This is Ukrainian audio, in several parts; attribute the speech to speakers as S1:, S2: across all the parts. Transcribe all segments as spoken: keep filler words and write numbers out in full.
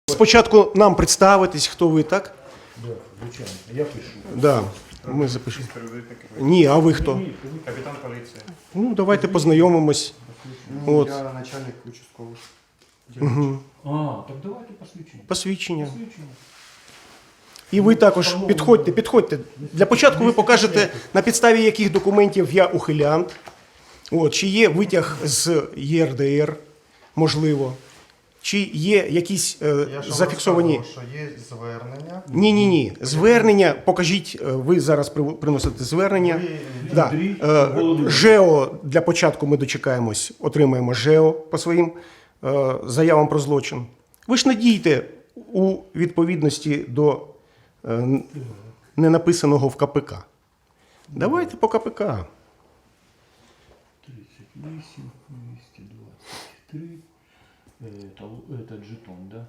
S1: Спочатку нам представитись, хто ви, так?
S2: Да, звичайно. Я пишу.
S1: Да. Ми запишемо. Ні, а ви хто?
S3: Капітан поліції.
S1: Ну, давайте познайомимось.
S4: Ну,
S1: От.
S4: я начальник участкового.
S1: Угу.
S2: А, так давайте посвідчення.
S1: Посвідчення.
S2: Посвідчення.
S1: І ви також підходьте, підходьте. Для початку ви покажете, на підставі яких документів я ухилянт. От, чи є витяг з Є Р Д Р, можливо. Чи є якісь е,
S4: Я ж
S1: зафіксовані...
S4: розказував, що є звернення.
S1: Ні-ні-ні. Звернення, покажіть, е, ви зараз при- приносите звернення.
S4: Ви-
S1: Да. Е, ЖЕО для початку ми дочекаємось, отримаємо ЖЕО по своїм е, заявам про злочин. Ви ж не дійте у відповідності до е, ненаписаного в К П К. Давайте по К П К.
S2: тридцять вісім, двісті двадцять три. Это, это жетон, да?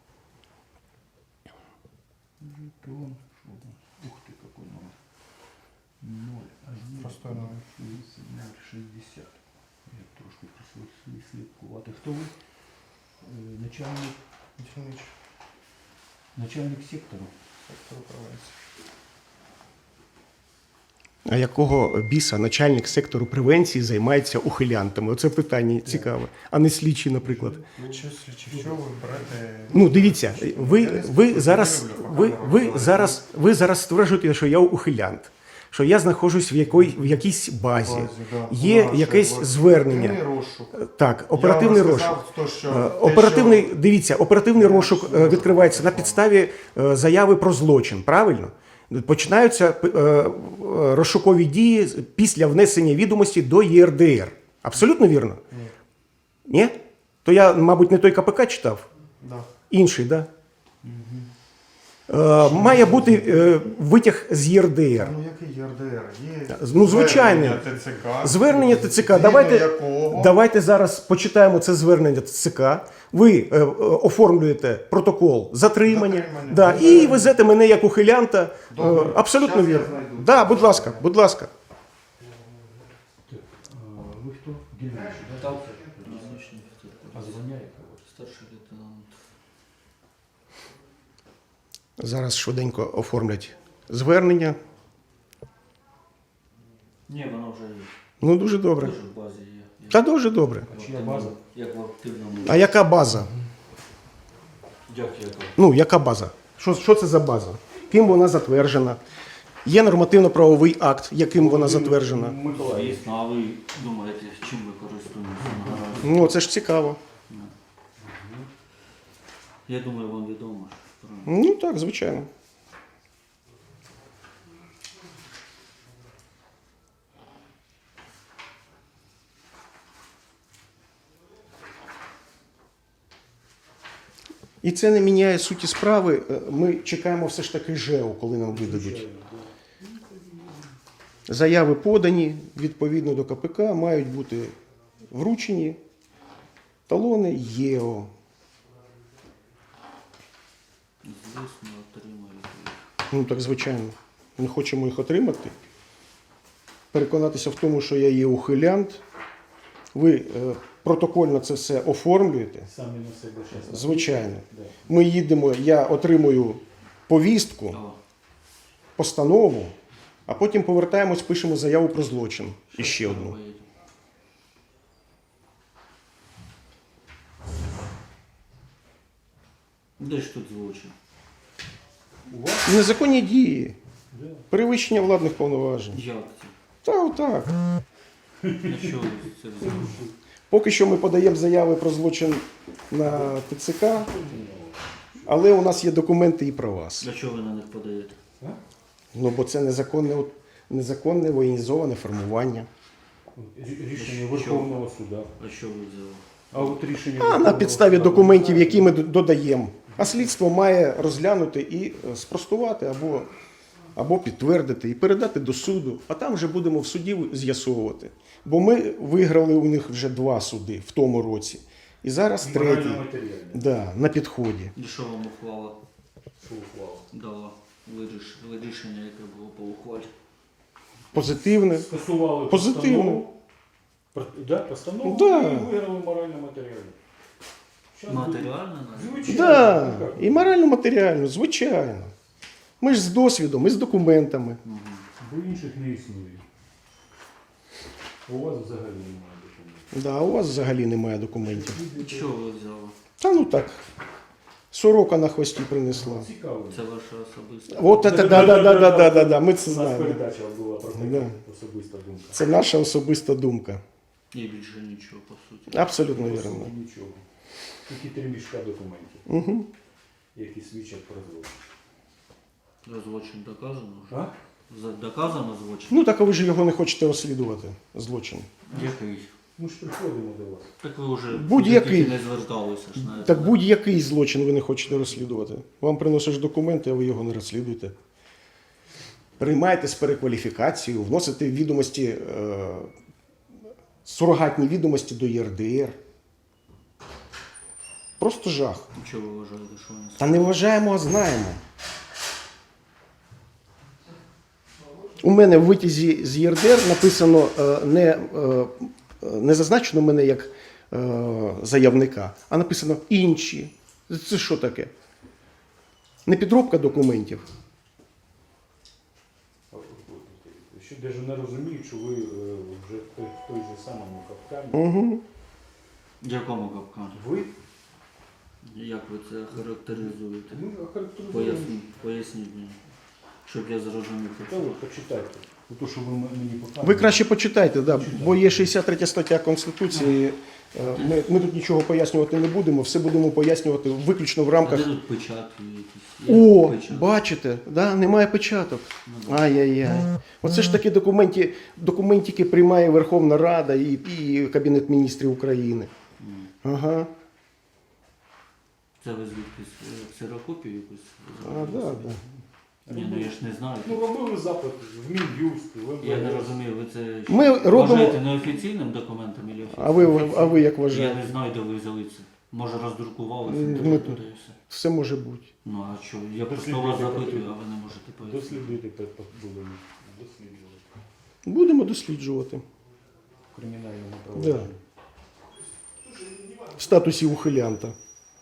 S2: Жетон. Что у нас? Ух ты, какой номер. ноль один
S4: Простой номер.
S2: ноль шестьдесят. Я трошки слідкувати. Хто ви? Е, Начальник,
S4: Начальник
S2: начальник сектору.
S4: сектору превенції.
S1: А якого біса начальник сектору превенції займається ухилянтами? Оце питання цікаве. А не слідчий, наприклад.
S4: Чи, чи що ви берете?
S1: Ну, дивіться, ви, ви, зараз, ви, ви, зараз, ви зараз стверджуєте, що я ухилянт, що я знаходжусь в, якої, в якійсь базі,
S4: Базі, да.
S1: є
S4: Наше,
S1: якесь
S4: от,
S1: звернення.
S4: оперативний розшук.
S1: Так, оперативний
S4: Я вам
S1: розшук.
S4: сказав, то, що
S1: Е,
S4: те,
S1: Оперативний,
S4: що-
S1: дивіться, оперативний розшук е, відкривається на підставі е, заяви про злочин, правильно? Починаються е, е, розшукові дії після внесення відомості до Є Р Д Р. Абсолютно вірно?
S4: Ні.
S1: Ні? То я, мабуть, не той К П К читав?
S4: Да.
S1: Інший, так? Да? Е, має бути е, витяг з Є Р Д Р.
S4: Ну, який Є Р Д Р? Є
S1: Ну, звичайно.
S4: звернення Т Ц К.
S1: Звернення Т Ц К.
S4: Згідно
S1: Давайте,
S4: якого-
S1: давайте зараз почитаємо це звернення Т Ц К. Ви е, е, оформлюєте протокол затримання,
S4: Затримання.
S1: да, і везете мене як ухилянта. Е,
S4: Добре.
S1: абсолютно
S4: Щас я
S1: вірно.
S4: знайду.
S1: Да, будь ласка, будь ласка.
S2: Так, а, ви хто? Дільничий, да? А звання якого?
S5: Старший лейтенант.
S1: Зараз швиденько оформлять звернення.
S5: Ні, вона вже є.
S1: Ну, дуже добре.
S5: Теж в базі є. Як
S1: Та дуже добре.
S5: в
S2: чия
S5: активному-
S2: база?
S5: Як в активному.
S1: А яка база?
S5: Як яка?
S1: Ну, яка база? Що, що це за база? Ким вона затверджена? Є нормативно-правовий акт, яким вона затверджена.
S2: Миколаїв.
S5: Звісно, а ви думаєте, чим ви користуєтеся наразі?
S1: Ну, це ж цікаво.
S5: Я думаю, вам відомо. що-
S1: Ну, так, звичайно. І це не міняє суті справи. Е, Ми чекаємо все ж таки ЖЕО, коли нам видадуть. Заяви подані відповідно до К П К, мають бути вручені. Талони Є О.
S5: Звісно, отримаєте їх.
S1: Ну так, звичайно. Ми хочемо їх отримати. Переконатися в тому, що я є ухилянт. Ви е, протокольно це все оформлюєте.
S2: Самі на себе щас.
S1: Звичайно.
S2: Да.
S1: Ми їдемо, я отримую повістку,
S5: О,
S1: постанову, а потім повертаємось, пишемо заяву про злочин. І ще
S5: що
S1: одну.
S5: ви поїдете? Де ж тут злочин?
S2: У вас?
S1: Незаконні дії,
S2: Да.
S1: перевищення владних повноважень.
S5: Як це?
S1: Та отак.
S5: На що ви це взяли?
S1: Поки що ми подаємо заяви про злочин на Т Ц К, але у нас є документи і про вас.
S5: Для чого ви на них подаєте?
S1: Ну, бо це незаконне, незаконне воєнізоване формування.
S2: Рі- Рішення Верховного суда.
S5: А що ви взяли?
S2: А от рішення
S1: А на
S2: Верховного
S1: підставі
S2: Суда
S1: документів,
S2: ви
S1: які ми д- додаємо. А слідство має розглянути і е, спростувати або, або підтвердити, і передати до суду. А там вже будемо в суді з'ясовувати. Бо ми виграли у них вже два суди в тому році. І зараз третій.
S2: Морально-матеріальне.
S1: Да, на підході.
S5: І що вам ухвала
S2: Що ухвала?
S5: дала? Виріш... Вирішення, яке було по ухвалі?
S1: Позитивне.
S2: Скасували
S1: Позитивно.
S2: постанову. Про- Да, постанову
S1: Да.
S2: і виграли морально-матеріальне. Щас
S5: Матеріально навіть?
S2: Звичайно.
S1: Да,
S2: Ну, як?
S1: і морально-матеріально, звичайно. Ми ж з досвідом, і з документами.
S2: Бо інших не існує. У вас взагалі немає документів.
S1: Да, у вас взагалі немає документів.
S5: Чого ви взяли?
S1: Та ну так. Сорока на хвості принесла.
S2: Цікаво.
S5: Це ваша особиста.
S1: От це, да, да, да, да, да, да, да, ми це
S2: У нас
S1: знаємо.
S2: передача була про таке,
S1: Да.
S2: особиста думка.
S1: Це наша особиста думка.
S5: І більше нічого, по суті.
S1: Абсолютно
S2: По
S1: вірно.
S2: суті, нічого. Тільки три мішка документів,
S1: Угу.
S2: які свідчать про злочин.
S5: Злочин доказано вже?
S2: А?
S5: За- Доказано злочин?
S1: Ну так а ви ж його не хочете розслідувати, злочин.
S5: Який?
S2: Ми ж приходимо до вас.
S5: Так ви вже
S1: Будь-який.
S5: тільки не зверталися ж навіть.
S1: Так будь-який злочин ви не хочете розслідувати. Вам приносиш документи, а ви його не розслідуєте. Приймаєте з перекваліфікацією, вносите відомості, е, сурогатні відомості до Є Р Д Р. Просто жах.
S5: Чого ви вважаєте, що вони
S1: Та не вважаємо, а знаємо. У мене в витязі з Є Р Д Р написано е, не, е, не зазначено мене як е, заявника, а написано інші. Це що таке? Не підробка документів.
S2: Що навіть не розуміють, що ви е, вже в той, в той же самому капкані.
S1: Угу.
S5: В якому капкані?
S2: Ви
S5: Як ви це характеризуєте?
S2: ну, охарактеризуєте.
S5: Поясніть, поясніть мені, щоб я зрозумів.
S2: Та ви почитайте. Ну, то, що ви м- мені показуєте.
S1: Ви краще почитайте, да, бо є шістдесят третя стаття Конституції. Е, Ми, ми тут нічого пояснювати не будемо, все будемо пояснювати виключно в
S5: А
S1: рамках.
S5: де тут печатки якісь? Є
S1: О,
S5: печатки?
S1: бачите, да, немає печаток.
S5: Ну, да.
S1: Ай-яй-яй. Оце ж такі документи, документики приймає Верховна Рада і, і Кабінет міністрів України.
S5: М.
S1: Ага.
S5: Це ви звідки ксерокопію якусь?
S1: А,
S5: зробили
S1: да,
S5: собі?
S1: да.
S5: Ні, ну я ж не знаю.
S2: Ну, робили запит в Мін'юст, в
S5: Я не
S2: МВС.
S5: розумію, ви це що,
S1: Ми робимо-
S5: вважаєте неофіційним документом чи офіційним?
S1: А ви, а ви як
S5: Я
S1: вважаєте?
S5: не знаю, де ви взяли це. Може роздрукувалося,
S1: Ми
S5: інтернет
S1: тут-
S5: туди і все.
S1: Все може бути.
S5: Ну а що, я просто
S2: Дослідуйте
S5: вас запитую,
S2: потрібно.
S5: а ви не можете пояснити.
S2: Дослідуйте, пе- пе- будемо досліджувати.
S1: Будемо досліджувати.
S2: В кримінальному
S1: Да.
S2: провадженні.
S1: В статусі ухилянта.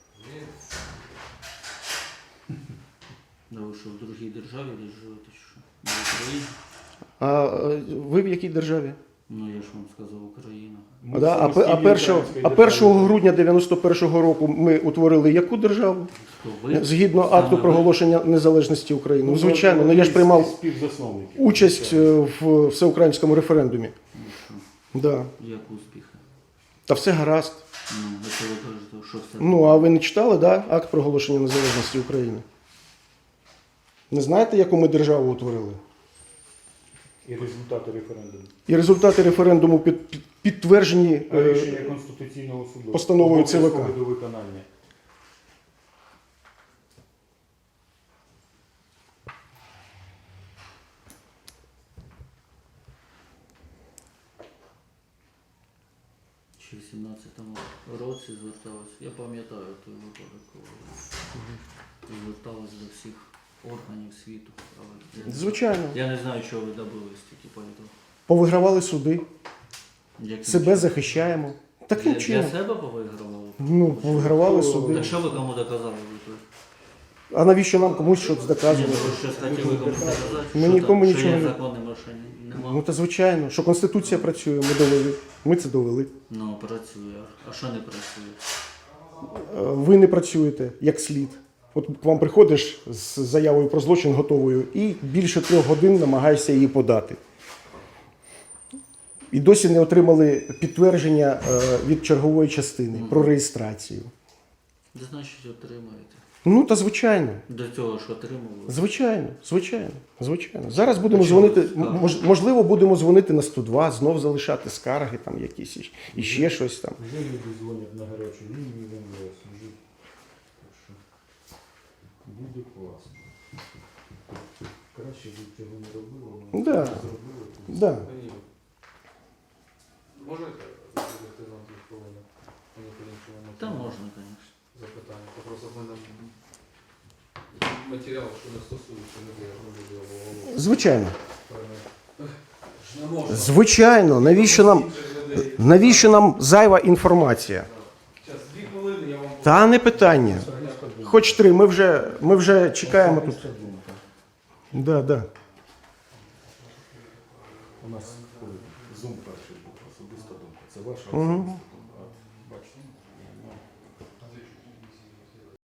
S5: Да ви що, в другій державі десь живете, чи що? На Україні?
S1: А е, ви в якій державі?
S5: Ну я ж вам сказав, Україна.
S2: Ми
S1: Да, а, пе- а,
S2: самостійні
S1: першого,
S2: українські
S1: а
S2: держави.
S1: першого грудня дев'яносто першого року ми утворили яку державу?
S5: Хто ви?
S1: Згідно
S5: Саме
S1: акту
S5: ви?
S1: проголошення незалежності України. Ну, звичайно, ну я ж
S2: Із-
S1: приймав
S2: із співзасновників.
S1: участь е, в всеукраїнському референдумі.
S5: Ну що,
S1: Да.
S5: як успіхи?
S1: Та все гаразд.
S5: Ну, а що ви кажете, що все?
S1: Ну, а ви не читали, да, акт проголошення незалежності України? Не знаєте, яку ми державу утворили?
S2: І результати референдуму.
S1: І результати референдуму під, під, підтверджені
S2: А
S1: е,
S2: рішення Конституційного суду.
S1: постановою Це Ве Ка.
S2: Обов'язкове до виконання.
S5: Ще в сімнадцятому році зверталась. Я пам'ятаю той випадок, коли зверталась до всіх органів світу. Але я,
S1: звичайно,
S5: я не знаю, чого ви добились тільки по цьому.
S1: повигравали суди,
S5: Яким
S1: себе
S5: чином?
S1: захищаємо.
S5: Для,
S1: Таким
S5: для
S1: чином.
S5: себе повигравали?
S1: Ну, повигравали суди.
S5: Так що ви кому доказали? ви тут?
S1: А навіщо нам комусь щось
S5: Ні,
S1: доказувати?
S5: ну, ви щось хотіли комусь доказати?
S1: Ми
S5: Що
S1: нікому
S5: там?
S1: нічого
S5: Що
S1: не-
S5: є законними, що ні- нема?
S1: Ну, та звичайно, що Конституція працює, ми довели. Ми це довели.
S5: Ну, працює. А що не працює?
S1: Е, Ви не працюєте як слід. От к вам приходиш з заявою про злочин готовою і більше трьох годин намагаєшся її подати. І досі не отримали підтвердження е, від чергової частини про реєстрацію.
S5: Це значить отримаєте.
S1: Ну, та звичайно.
S5: До цього ж отримували.
S1: Звичайно, звичайно, звичайно. Зараз будемо дзвонити, м- мож- можливо, будемо дзвонити на сто два, знов залишати скарги там якісь і- і ще щось там.
S2: Вже люди дзвонять на гарячу лінію в МВС. Вже. Так що буде класно. Краще б цього не робили, але
S1: Да.
S2: зробили. то
S1: Да.
S3: Ні. Можете зробити нам дві хвилини? Мені по-іншому
S5: Та можна, звісно.
S3: запитання. Та Просто в мене матеріал, що не стосується людей, не буде голову.
S1: Звичайно.
S3: Ж не можна.
S1: Звичайно, навіщо нам,
S3: Інших людей.
S1: навіщо нам зайва інформація?
S3: Зараз дві хвилини я вам
S1: Та не питання.
S2: Особиста думка.
S1: Хоч три, ми вже, ми вже чекаємо тут.
S2: Особиста думка.
S1: Да, да.
S2: У нас зум перший був, особиста думка. Це ваша
S1: Мгм.
S2: особиста думка.